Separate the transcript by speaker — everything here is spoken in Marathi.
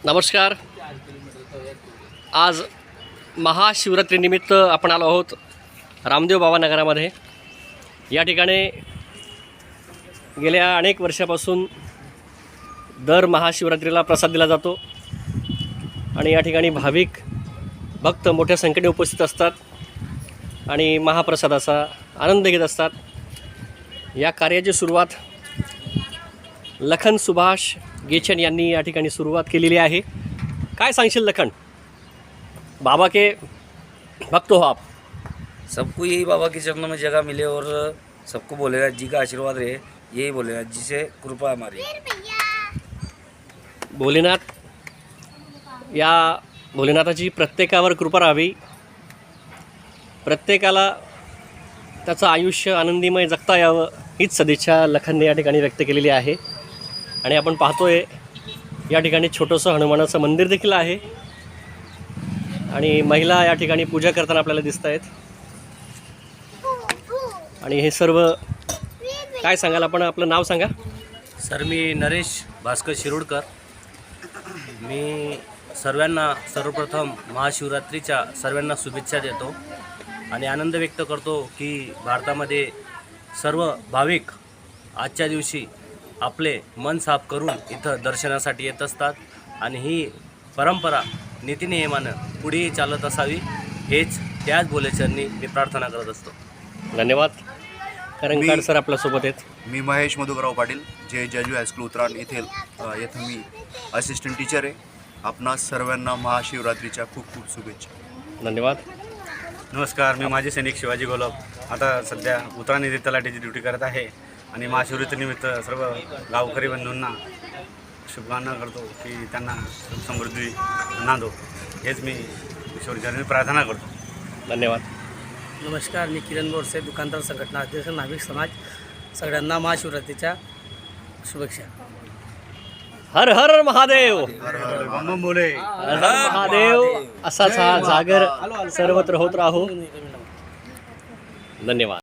Speaker 1: नमस्कार. आज महाशिवरात्रीनिमित्त आपण आलो आहोत रामदेव बाबा नगरामध्ये. या ठिकाणी गेल्या अनेक वर्षापासून दर महाशिवरात्रीला प्रसाद दिला जातो आणि या ठिकाणी भाविक भक्त मोठ्या संख्येने उपस्थित असतात आणि महाप्रसादाचा आनंद घेत असतात. या कार्याची सुरुवात लखन सुभाष गेचन यांनी या ठिकाणी सुरुवात केलेली आहे. काय सांगशील लखन? बाबा के भक्त हो आप.
Speaker 2: सबको यही बाबा के चरणों में जगह मिले और सबको भोलेनाथ जी का आशीर्वाद रहे, यही भोलेनाथ जी से कृपा हमारी.
Speaker 1: भोलेनाथाची प्रत्येकावर कृपा राहावी. प्रत्येकाला त्याचं आयुष्य आनंदीमय जगता यावं हीच सदिच्छा लखनने या ठिकाणी व्यक्त केलेली आहे. आणि आपण पाहतोय या ठिकाणी छोटंसं हनुमानाचं मंदिर देखील आहे आणि महिला या ठिकाणी पूजा करताना आपल्याला दिसत आहेत. आणि हे सर्व काय सांगाल आपण? आपलं नाव सांगा.
Speaker 3: सर, मी नरेश भास्कर शिरोडकर. मी सर्वप्रथम महाशिवरात्रीच्या सर्वांना शुभेच्छा देतो आणि आनंद व्यक्त करतो की भारतामध्ये सर्व भाविक आजच्या दिवशी आपले मन साफ करून इथं दर्शनासाठी येत असतात आणि ही परंपरा नीतिनियमानं पुढेही चालत असावी, हेच त्याच भोलेचरणी मी प्रार्थना करत असतो.
Speaker 1: धन्यवाद. करंकाड सर आपल्यासोबत आहेत.
Speaker 4: मी महेश मधुकरराव पाटील, जे जेजू हायस्कूल उतराण येथील येथे मी असिस्टंट टीचर आहे. आपणा सर्वांना महाशिवरात्रीच्या खूप खूप शुभेच्छा.
Speaker 1: धन्यवाद.
Speaker 5: नमस्कार, मी माजी सैनिक शिवाजी गोलब. आता सध्या उतराण येथे तलाठीची ड्युटी करत आहे आणि महाशिवरात्रीनिमित्त सर्व गावकरी बंधूंना शुभकामना करतो की त्यांना समृद्धी नांदो, हेच मी ईश्वरचरणी प्रार्थना करतो.
Speaker 1: धन्यवाद.
Speaker 6: नमस्कार, मी किरण बोरसे, दुकानदार संघटना अध्यक्ष, नाभिक समाज. सगळ्यांना महाशिवरात्रीच्या शुभेच्छा.
Speaker 1: हर हर महादेव.
Speaker 5: बम बोले.
Speaker 1: हर हर महादेव. असाच हा जागर सर्वत्र होत राहो. धन्यवाद.